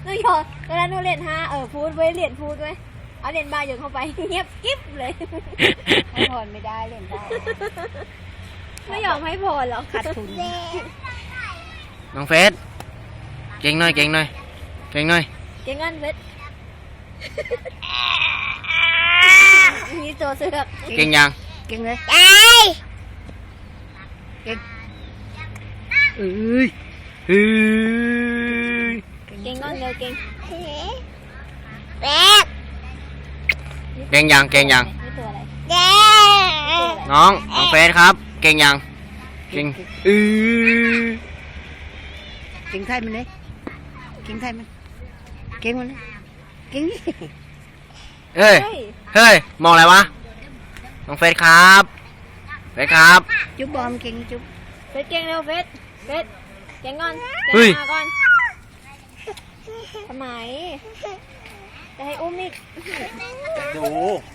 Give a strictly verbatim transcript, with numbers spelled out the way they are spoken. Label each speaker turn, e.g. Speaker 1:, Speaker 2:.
Speaker 1: นูหยอดตอนนั้นหนูเรียนห้าเออพูดไว้เรียนพูดไว้เอาเรียนบาโยนเข้าไปเงียบกิ๊บเลยให้พรไม่ได้เรียนได้ไม่ยอมให้พรหรอกขาดทุน
Speaker 2: น้องเฟสเก่งหน่อยเก่งหน่อยเก่งหน่อย
Speaker 1: เก่งงั้นเฟสมีตัวเสือก
Speaker 2: เก่งยัง
Speaker 1: เก่งเลยเก่ง
Speaker 2: เอ้ยเฮ้ย
Speaker 1: เก่งงั้นเลยเก่ง
Speaker 2: เก่งยังเก่งยังน้องน้องเฟสครับเก่งยังเก่งเออ
Speaker 3: เก่งไทยมันเลยเก่งไทยมันเก่งมันเลยเก่งนี่
Speaker 2: เฮ้ยเฮ้ยมองอะไรวะน้องเฟสครับเฟสครับ
Speaker 3: จุ๊บบอมเก่งจุ๊บ
Speaker 1: เฟสเก่งเร็วเฟสเฟสเก่งก่อนเก่งมาก่อนทำไมจะให้อุ้มอีก
Speaker 2: ดู